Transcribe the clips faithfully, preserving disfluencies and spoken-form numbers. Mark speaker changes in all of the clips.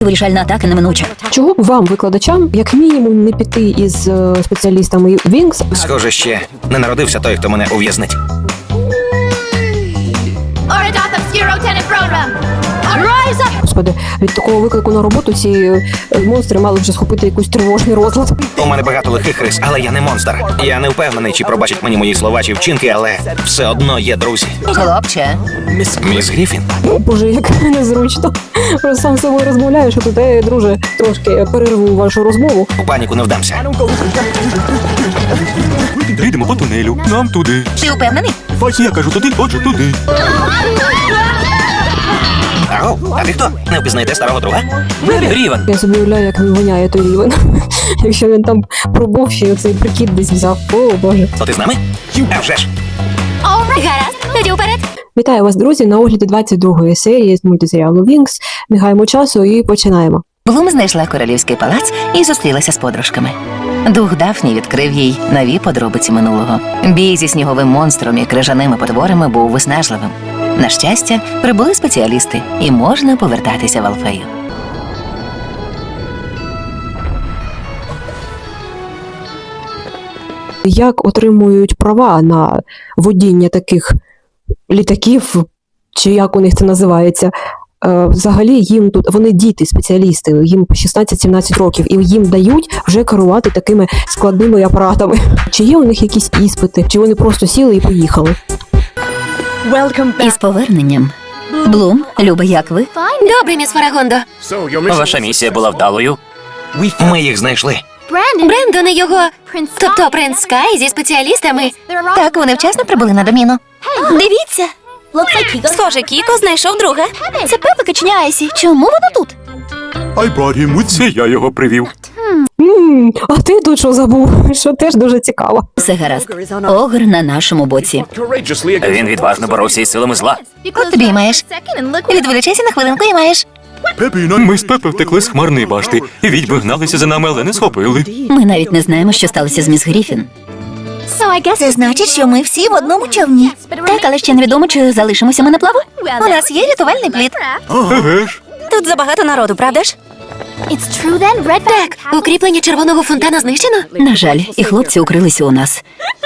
Speaker 1: Вирішальна атака неминуча.
Speaker 2: Чого б вам, викладачам, як мінімум, не піти із е, спеціалістами Вінкс?
Speaker 3: Схоже, ще не народився той, хто мене ув'язнить.
Speaker 2: Господи, від такого виклику на роботу ці е, монстри мали вже схопити якийсь тривожний розлад.
Speaker 3: У мене багато лихих рис, але я не монстр. Я не впевнений, чи пробачать мені мої слова чи вчинки, але все одно є друзі.
Speaker 1: Хлопче.
Speaker 3: Міс Гріфін?
Speaker 2: Боже, як незручно. Просто сам з собою розмовляєш, а тут, е, друже, трошки перерву вашу розмову.
Speaker 3: У паніку не вдамся.
Speaker 4: Йдемо по тунелю, нам туди.
Speaker 1: Ти упевнений?
Speaker 4: Я кажу туди, отже туди.
Speaker 3: Аго, а ти хто? Не впізнаєте старого друга?
Speaker 4: Рівен.
Speaker 2: Я собі уявляю, як він воняє той рівень. Якщо він там пробув, ще цей прикид десь взяв. О, Боже.
Speaker 3: То ти з нами? А вже ж.
Speaker 1: Гаразд, тоді вперед.
Speaker 2: Вітаю вас, друзі, на огляді двадцять другої серії з мультисеріалу Вінкс. Не гаємо часу і починаємо.
Speaker 1: Блум знайшла королівський палац і зустрілася з подружками. Дух Дафні відкрив їй нові подробиці минулого. Бій зі сніговим монстром і крижаними потворами був виснажливим. На щастя, прибули спеціалісти, і можна повертатися в Алфею.
Speaker 2: Як отримують права на водіння таких літаків, чи як у них це називається? Е, Взагалі їм тут, вони діти, спеціалісти, їм по шістнадцять-сімнадцять років, і їм дають вже керувати такими складними апаратами. Чи є у них якісь іспити, чи вони просто сіли і поїхали?
Speaker 1: Із поверненням. Блум, Люба, як ви? Добре, міс Фарагондо.
Speaker 4: Ваша місія була вдалою.
Speaker 3: Ми їх знайшли.
Speaker 1: Брендон і його, тобто принц Скай зі спеціалістами. Так, вони вчасно прибули на доміну. Дивіться. Схоже, Кіко знайшов друга. Це Пепа каченя Айсі. Чому вона тут?
Speaker 4: I brought him with Це я його привів.
Speaker 2: М, А ти тут що забув? Що теж дуже цікаво.
Speaker 1: Все гаразд. Огр на нашому боці.
Speaker 4: Він відважно боровся із силами зла.
Speaker 1: От тобі й маєш. Відволічайся на хвилинку і маєш.
Speaker 4: Ми з Пепи втекли з хмарної башти, і відьми гналися за нами, але не схопили.
Speaker 1: Ми навіть не знаємо, що сталося з міс Гріфін. Це значить, що ми всі в одному човні. Так, але ще невідомо, чи залишимося ми на плаву. У нас є рятувальний плід.
Speaker 4: Еге ж.
Speaker 1: Тут забагато народу, правда ж? Так, укріплення червоного фонтана знищено? На жаль, і хлопці укрилися у нас.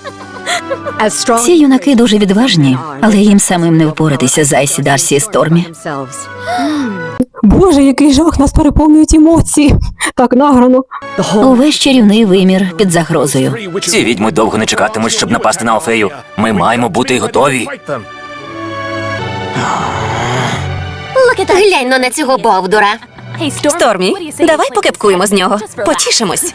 Speaker 1: Ці юнаки дуже відважні, але їм самим не впоратися з Айсі, Дарсі і Стормі.
Speaker 2: Боже, який жах, нас переповнюють емоції. Так награно.
Speaker 1: Увесь чарівний вимір під загрозою.
Speaker 4: Ці відьми довго не чекатимуть, щоб напасти на Алфею. Ми маємо бути готові.
Speaker 1: Глянь на цього бовдура. Стормі, давай покепкуємо з нього. Потішимось.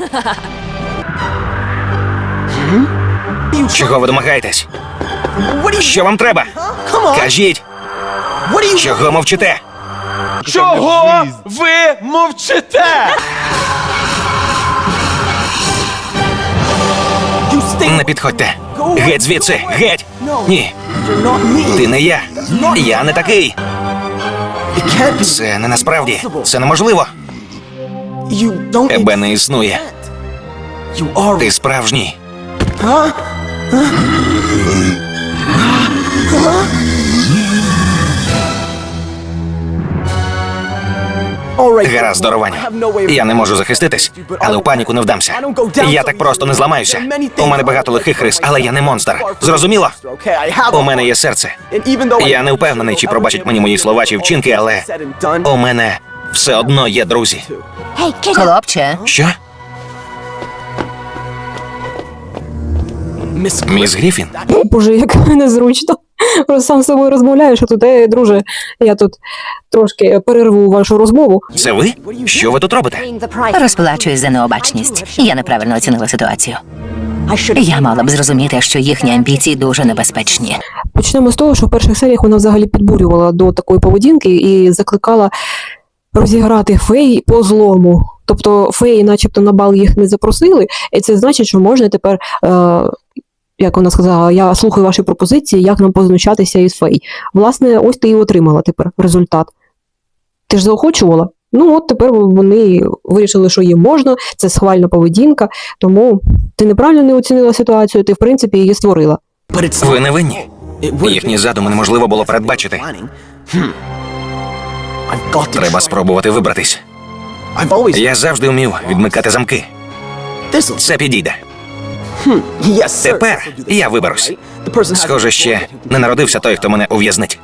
Speaker 3: Чого ви домагаєтесь? Що вам треба? Кажіть! Чого мовчите?
Speaker 5: Чого ви мовчите?
Speaker 3: Не підходьте. Геть звідси, геть! Ні. Ти не я. Я не такий. Це не насправді. Це неможливо. Тебе не існує. Ти справжній. Гаразд, здоровані. Я не можу захиститись, але у паніку не вдамся. Я так просто не зламаюся. У мене багато лихих рис, але я не монстр. Зрозуміло? У мене є серце. Я не впевнений, чи пробачать мені мої слова чи вчинки, але у мене все одно є друзі.
Speaker 1: Хлопче.
Speaker 3: Що? Міс Гріфін?
Speaker 2: Боже, як незручно. Просто сам з собою розмовляєш, а тут, е, друже, я тут трошки перерву вашу розмову.
Speaker 3: Це ви? Що ви тут робите?
Speaker 1: Розплачуюсь за необачність. Я неправильно оцінила ситуацію. Я мала б зрозуміти, що їхні амбіції дуже небезпечні.
Speaker 2: Почнемо з того, що в перших серіях вона взагалі підбурювала до такої поведінки і закликала розіграти фей по злому. Тобто феї начебто на бал їх не запросили, і це значить, що можна тепер, е, як вона сказала, я слухаю ваші пропозиції, як нам познущатися із фей. Власне, ось ти і отримала тепер результат. Ти ж заохочувала? Ну от тепер вони вирішили, що їм можна, це схвальна поведінка, тому ти неправильно не оцінила ситуацію, ти в принципі її створила.
Speaker 3: Ви не винні. Їхні задуми неможливо було передбачити. Треба спробувати вибратись. Я завжди вмів відмикати замки. Це підійде. Тепер я виберусь. Схоже, ще не народився той, хто мене ув'язнить.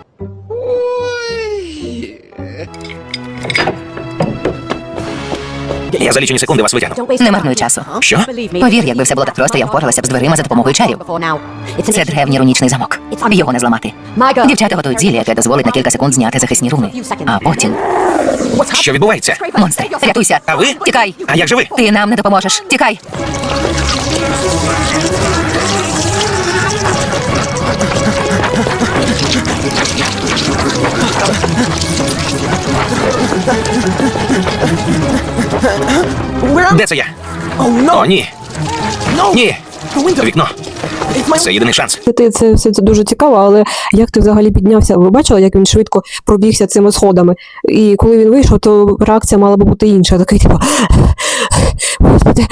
Speaker 3: Я за лічені секунди вас витягну.
Speaker 1: Не марнуй часу.
Speaker 3: Що?
Speaker 1: Повір, якби все було так просто, я впоралася б з дверима за допомогою чарів. Це древній рунічний замок. Його не зламати. Дівчата готують зілля, яке дозволить на кілька секунд зняти захисні руни. А потім...
Speaker 3: Що відбувається?
Speaker 1: Монстри, рятуйся!
Speaker 3: А ви?
Speaker 1: Тікай!
Speaker 3: А як же ви?
Speaker 1: Ти нам не допоможеш. Тікай!
Speaker 3: Де це я? О, ні. Ні. Вікно. Це єдиний шанс.
Speaker 2: Ти це все це дуже цікаво, але як ти взагалі піднявся? Ви бачили, як він швидко пробігся цими сходами? І коли він вийшов, то реакція мала би бути інша. Такий, типу, господи.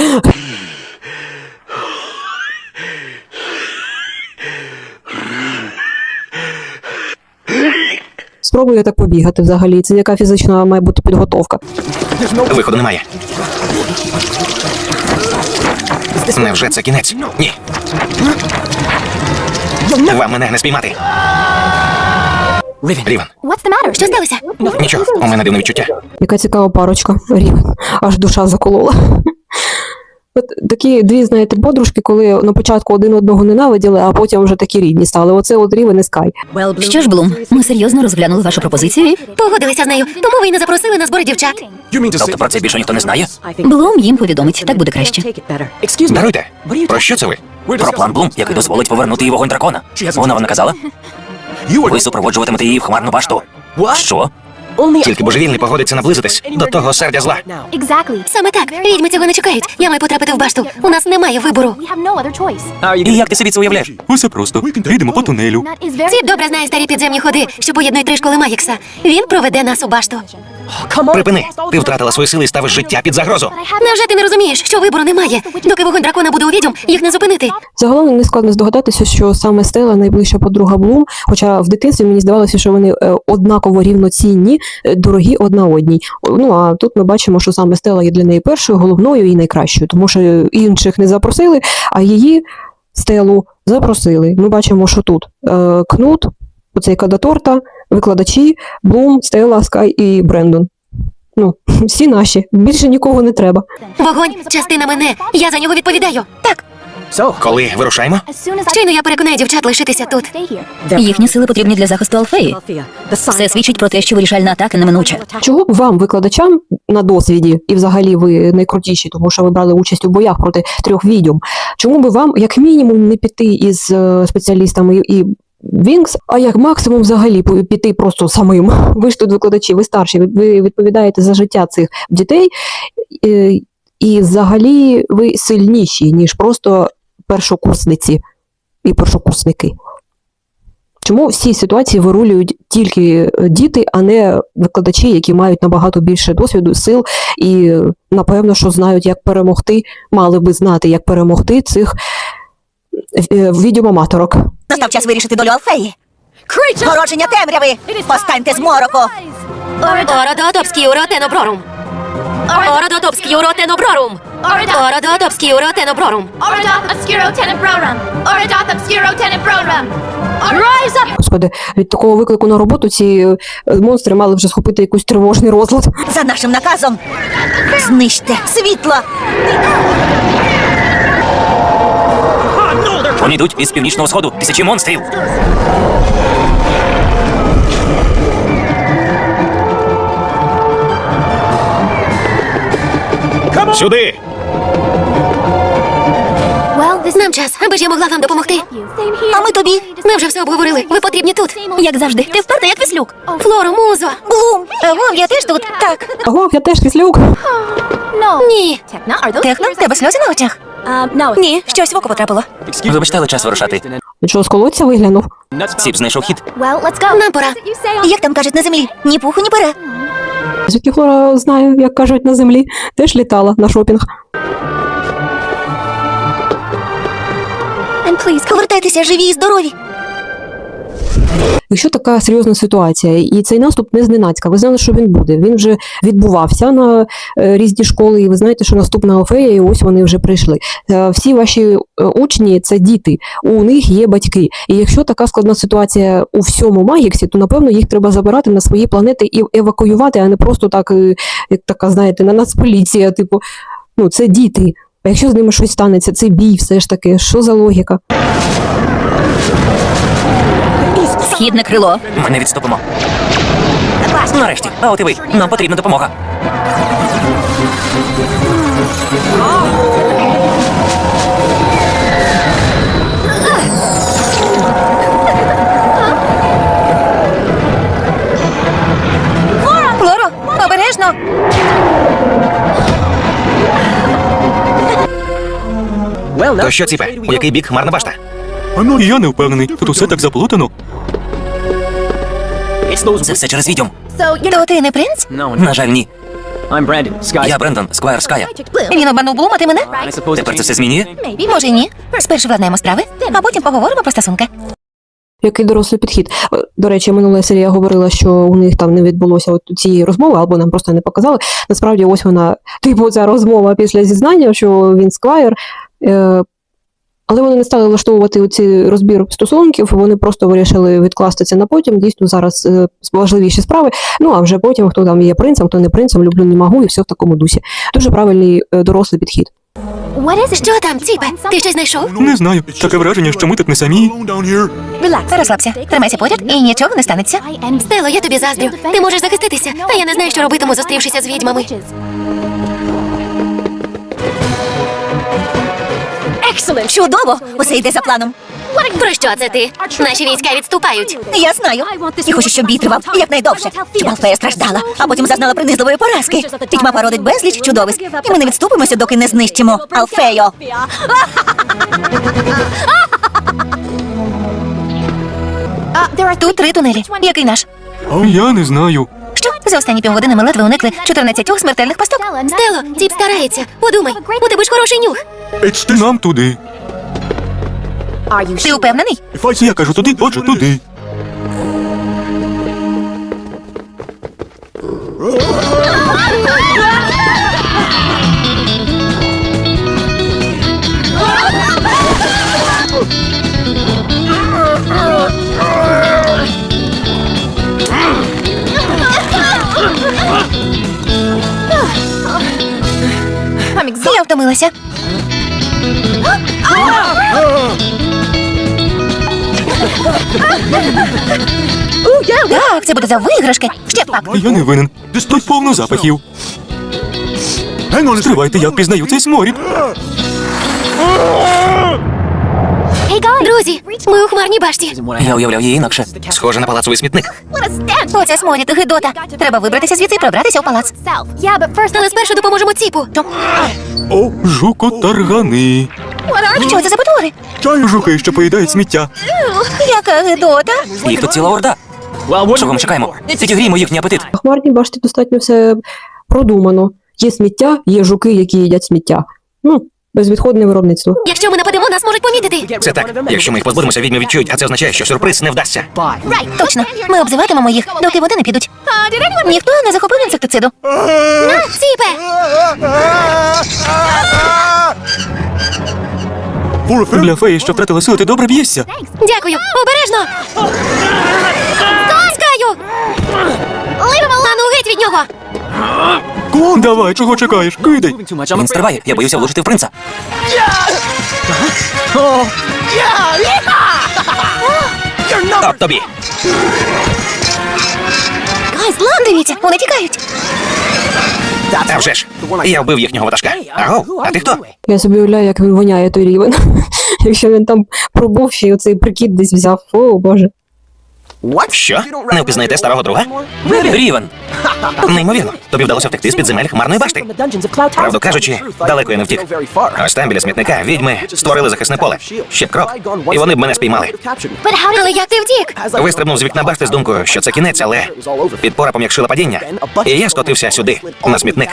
Speaker 2: Спробую так побігати взагалі. Це яка фізична має бути підготовка.
Speaker 3: Виходу немає. Невже це кінець? Ні. Вам мене не спіймати. Рівен.
Speaker 1: Що сталося?
Speaker 3: Нічого, у мене дивне відчуття.
Speaker 2: Яка цікава парочка. Рівен. Аж душа заколола. От такі дві, знаєте, подружки, коли на початку один одного ненавиділи, а потім вже такі рідні стали. Оце от Рівен і Скай.
Speaker 6: Що ж, Блум, ми серйозно розглянули вашу пропозицію і...
Speaker 1: Погодилися з нею, тому ви й не запросили на збори дівчат.
Speaker 3: Тобто про це більше ніхто не знає?
Speaker 6: Блум їм повідомить, так буде краще.
Speaker 3: Даруйте. Про що це ви?
Speaker 7: Про план Блум, який дозволить повернути їй вогонь дракона. Вона вам наказала? Ви супроводжуватимете її в хмарну башту. Що?
Speaker 3: Тільки божевільний погодиться наблизитись до того сердя зла.
Speaker 1: Саме так. Відьми цього не чекають. Я маю потрапити в башту. У нас немає вибору.
Speaker 7: І як ти собі це уявляєш?
Speaker 4: Усе просто. Йдемо по тунелю.
Speaker 1: Ціп добре знає старі підземні ходи, що поєднують три школи Магікса. Він проведе нас у башту.
Speaker 3: Припини. Ти втратила свої сили і ставиш життя під загрозу.
Speaker 1: Невже ти не розумієш, що вибору немає? Доки вогонь дракона буде у відьом, їх не зупинити.
Speaker 2: Загалом не складно здогадатися, що саме Стелла найближча подруга Блум, хоча в дитинстві мені здавалося, що вони е, однаково рівноцінні, е, дорогі одна одній. Ну, а тут ми бачимо, що саме Стелла є для неї першою, головною і найкращою, тому що інших не запросили, а її, Стеллу, запросили. Ми бачимо, що тут е, Кнут, оцей Кадаторта, викладачі, Блум, Стелла, Скай і Брендон. Ну, всі наші. Більше нікого не треба.
Speaker 1: Вогонь – частина мене. Я за нього відповідаю. Так.
Speaker 3: Коли вирушаємо?
Speaker 1: Щойно я переконаю дівчат лишитися тут.
Speaker 6: Їхні сили потрібні для захисту Алфеї. Все свідчить про те, що вирішальна атака неминуча.
Speaker 2: Чого б вам, викладачам, на досвіді, і взагалі ви найкрутіші, тому що ви брали участь у боях проти трьох відьом, чому би вам, як мінімум, не піти із е, спеціалістами і Вінкс, а як максимум взагалі піти просто самим? Ви ж тут викладачі, ви старші, ви відповідаєте за життя цих дітей, е, і взагалі ви сильніші, ніж просто першокурсниці і першокурсники. Чому в цій ситуації вирулюють тільки діти, а не викладачі, які мають набагато більше досвіду, сил і, напевно, що знають, як перемогти, мали би знати, як перемогти цих відьомаматорок.
Speaker 8: Настав час вирішити долю Алфеї. Породження темряви! Постаньте з мороку!
Speaker 1: Ородотопський уротеноброрум. Ородотопський уротеноброрум. Ородотопський уротеноброрум.
Speaker 2: Господи, від такого виклику на роботу ці монстри мали вже схопити якийсь тривожний розлад.
Speaker 8: За нашим наказом знищте світло!
Speaker 7: Вони йдуть із північного сходу. Тисячі монстрів.
Speaker 3: Сюди!
Speaker 1: Нам час, аби ж я могла вам допомогти.
Speaker 8: А ми тобі!
Speaker 1: Ми вже все обговорили. Ви потрібні тут.
Speaker 6: Як завжди, ти вперта, як віслюк.
Speaker 1: Флоро, музо.
Speaker 8: Блум! Вов, я теж тут! Так!
Speaker 2: Ого, я теж кислюк.
Speaker 1: Ні.
Speaker 8: Техно, в тебе сльози на очах? Ні, щось в око потрапило.
Speaker 7: Вибачте, але час вирушати.
Speaker 2: Що, з колодця виглянув?
Speaker 7: Ціп знайшов хід.
Speaker 1: Нам пора.
Speaker 8: Як там кажуть на землі? Ні пуху, ні пера.
Speaker 2: Звідки Флора знаю, як кажуть на землі, теж літала на шопінг.
Speaker 8: Повертайтеся живі і здорові!
Speaker 2: Якщо така серйозна ситуація, і цей наступ не зненацька, ви знали, що він буде. Він вже відбувався на е, різні школи, і ви знаєте, що наступна фея, і ось вони вже прийшли. Е, всі ваші е, учні – це діти, у них є батьки. І якщо така складна ситуація у всьому Магіксі, то, напевно, їх треба забирати на свої планети і евакуювати, а не просто так, е, як така, знаєте, на нацполіція, типу, ну, це діти. А якщо з ними щось станеться, це бій все ж таки, що за логіка?
Speaker 6: Східне крило.
Speaker 7: Ми не відступимо. Нарешті, а от і ви. Нам потрібна допомога.
Speaker 1: Флоро, обережно!
Speaker 3: То що, Ціпе? У який бік хмарна башта?
Speaker 4: Я не впевнений. Тут усе так заплутано.
Speaker 7: Це все через відьом.
Speaker 1: То ти не принц?
Speaker 7: На жаль, ні. Я Брендон, Сквайр Ская.
Speaker 1: Він обманув Блум, а ти мене?
Speaker 7: Тепер це все змінює?
Speaker 1: Може й ні. Спершу владнаємо справи, а потім поговоримо про стосунки.
Speaker 2: Який дорослий підхід. До речі, минула серія говорила, що у них там не відбулося от цієї розмови, або нам просто не показали. Насправді, ось вона, типу, ця розмова після зізнання, що він сквайр. Е- але вони не стали влаштовувати оці розбір стосунків, вони просто вирішили відкласти це на потім. Дійсно, зараз е- важливіші справи. Ну, а вже потім, хто там є принцем, хто не принцем, люблю, не можу, і все в такому дусі. Дуже правильний е- дорослий підхід.
Speaker 6: Що там, Ціпе? Ти щось знайшов?
Speaker 4: Не знаю. Таке враження, що ми тут не самі.
Speaker 1: Розслабся, тримайся поряд і нічого не станеться.
Speaker 6: Стело, я тобі заздрю. Ти можеш захиститися, а я не знаю, що робитиму, зустрівшися з відьмами.
Speaker 8: Чудово! Усе йде за планом.
Speaker 6: Про що це ти? Наші війська відступають.
Speaker 8: Я знаю. І хочу, щоб бій тривав якнайдовше. Щоб Алфея страждала, а потім зазнала принизливої поразки. Відьма породить безліч чудовиськ. І ми не відступимося, доки не знищимо Алфею.
Speaker 1: Тут три тунелі. Який наш?
Speaker 4: Я не знаю.
Speaker 1: Що? За останні півгодини ми ледве уникли чотирнадцятьох смертельних пасток.
Speaker 6: Стело, Ціп старається. Подумай, у тебе ж хороший нюх.
Speaker 4: Нам туди.
Speaker 1: Ти упевнений?
Speaker 4: Я кажу туди, отже, туди.
Speaker 1: Я втомилася. Так, це буде за виграшки. Ще пак.
Speaker 4: Я не винен. Тут повно запахів. Стривайте, я впізнаю цей сморід.
Speaker 6: Друзі, ми у хмарній башті.
Speaker 7: Я уявляв її інакше.
Speaker 3: Схоже на палацовий смітник.
Speaker 1: Оце сморід, гидота. Треба вибратися звідси і пробратися у палац.
Speaker 6: Але спершу допоможемо Ціпу.
Speaker 4: Жукотаргани.
Speaker 1: Що це за потвори?
Speaker 4: Жуки, що поїдають сміття.
Speaker 1: Яка гидота.
Speaker 7: Їх тут ціла орда. Чого ми чекаємо? Підігріємо їхній апетит.
Speaker 2: В хмарній башті достатньо все продумано. Є сміття, є жуки, які їдять сміття. Ну, безвідходне виробництво.
Speaker 6: Якщо ми нападемо, нас можуть помітити.
Speaker 3: Це так. Якщо ми їх позбудемося, відьми відчують, а це означає, що сюрприз не вдасться.
Speaker 1: Точно. Ми обзиватимемо їх, доки вони не підуть. Ніхто не захопив інсектициду.
Speaker 6: Ціпе!
Speaker 4: Для феї, що втратила сили, ти добре б'єшся.
Speaker 6: Дякую. Обережно! Скаю! Ану, геть від нього!
Speaker 4: Давай, чого чекаєш? Кидай.
Speaker 7: Він стрибає, я боюся влучити в принца.
Speaker 3: От тобі.
Speaker 1: Дивіться, вони тікають.
Speaker 3: А вже ж. Я вбив їхнього ватажка. Аго, а ти хто?
Speaker 2: Я собі уявляю, як він воняє той рівень. Якщо він там пробув, ще й оцей прикид десь взяв. О, Боже.
Speaker 3: Що? Не впізнаєте старого друга?
Speaker 7: Рівен.
Speaker 3: Неймовірно. Тобі вдалося втекти з підземель хмарної башти. Правду кажучи, далеко я не втік. Ось там біля смітника відьми створили захисне поле. Ще б крок, і вони б мене спіймали.
Speaker 6: Але як ти втік?
Speaker 3: Вистрибнув з вікна башти з думкою, що це кінець, але підпора пом'якшила падіння. І я скотився сюди, на смітник.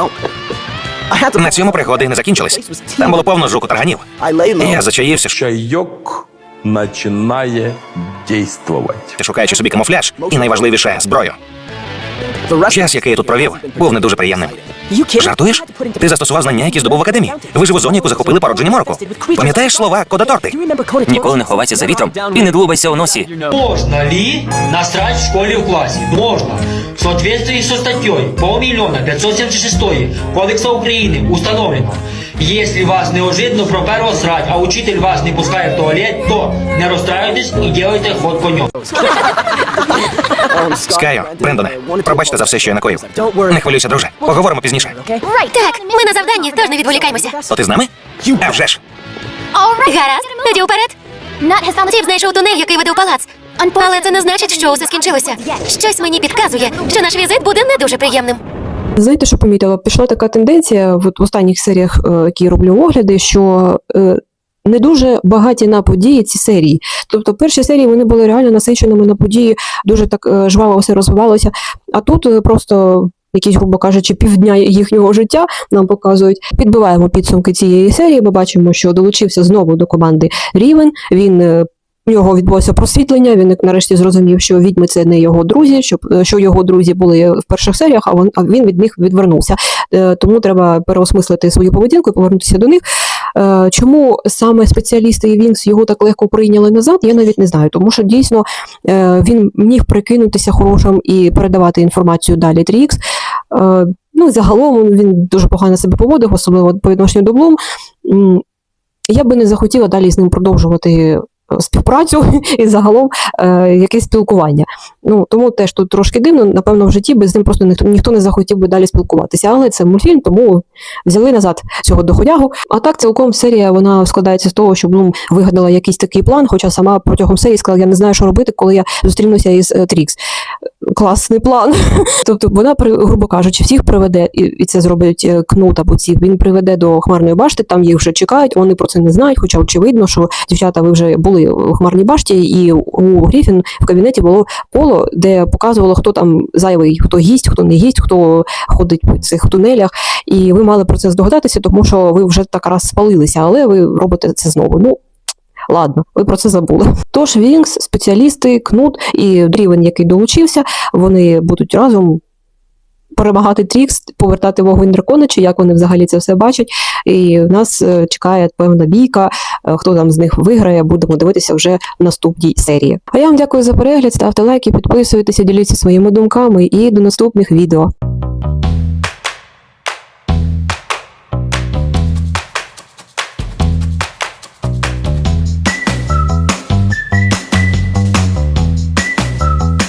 Speaker 3: На цьому пригоди не закінчились. Там було повно жуку тарганів. І я зачаївся.
Speaker 5: Чайок починає
Speaker 9: действовать.
Speaker 3: Ти шукаючи собі камуфляж і найважливіше зброю. Час, який я тут провів, був не дуже приємним. Жартуєш? Ти застосував знання, які здобув в академії. Вижив у зоні, яку захопили породжені мороку. Пам'ятаєш слова Кода-Торти?
Speaker 7: Ніколи не ховайся за вітром і не длубайся у носі.
Speaker 10: Можно ли насрать в школе в классе? Можно. В соответствии со статьей полмиллиона пятьсот семьдесят шесть Кодекса Украины установлено, если вас неожиданно проперло срать, а учитель вас не пускает в туалет, то не расстраивайтесь и делайте ход конем.
Speaker 3: Скаю, Брендоне, пробачте за все, що я накоїв. Не хвилюйся, друже. Поговоримо пізніше.
Speaker 11: Так, ми на завданні, тож не відволікаймося.
Speaker 3: То ти з нами? А вже ж.
Speaker 11: Гаразд, тоді вперед. Тіп знайшов тунель, який веде в палац. Але це не значить, що усе скінчилося. Щось мені підказує, що наш візит буде не дуже приємним.
Speaker 2: Знаєте, що помітила? Пішла така тенденція в, в останніх серіях, е, які я роблю огляди, що е, не дуже багаті на події ці серії. Тобто перші серії вони були реально насиченими на події, дуже так е, жваво все розвивалося. А тут е, просто якісь, грубо кажучи, півдня їхнього життя нам показують. Підбиваємо підсумки цієї серії, ми бачимо, що долучився знову до команди Рівен, він е, у нього відбулося просвітлення, він нарешті зрозумів, що відьми – це не його друзі, що, що його друзі були в перших серіях, а він, а він від них відвернувся. Е, тому треба переосмислити свою поведінку і повернутися до них. Е, чому саме спеціалісти і Вінкс його так легко прийняли назад, я навіть не знаю, тому що дійсно е, він міг прикинутися хорошим і передавати інформацію далі три ікс. Е, ну і загалом він дуже погано себе поводив, особливо по відношенню до Блум. Я би не захотіла далі з ним продовжувати співпрацю і загалом е, якесь спілкування. Ну, тому теж тут трошки дивно, напевно, в житті без ним просто ніхто, ніхто не захотів би далі спілкуватися. Але це мультфільм, тому взяли назад цього доходягу. А так, цілком серія, вона складається з того, що Блум вигадала якийсь такий план, хоча сама протягом серії сказала, я не знаю, що робити, коли я зустрінуся із е, Трікс. Класний план. Тобто вона, грубо кажучи, всіх приведе, і, і це зробить Кнут або ці, він приведе до Хмарної башти, там їх вже чекають, вони про це не знають, хоча очевидно, що дівчата, ви вже були у Хмарній башті, і у Гріфін в кабінеті було коло, де показувало, хто там зайвий, хто гість, хто не гість, хто ходить по цих тунелях, і ви мали про це здогадатися, тому що ви вже так раз спалилися, але ви робите це знову. Ну, ладно, ви про це забули. Тож Вінкс, спеціалісти, Кнут і Дрівен, який долучився, вони будуть разом перемагати Трікс, повертати вогонь дракона, чи як вони взагалі це все бачать. І нас чекає певна бійка, хто там з них виграє, будемо дивитися вже в наступній серії. А я вам дякую за перегляд, ставте лайки, підписуйтеся, діліться своїми думками і до наступних відео.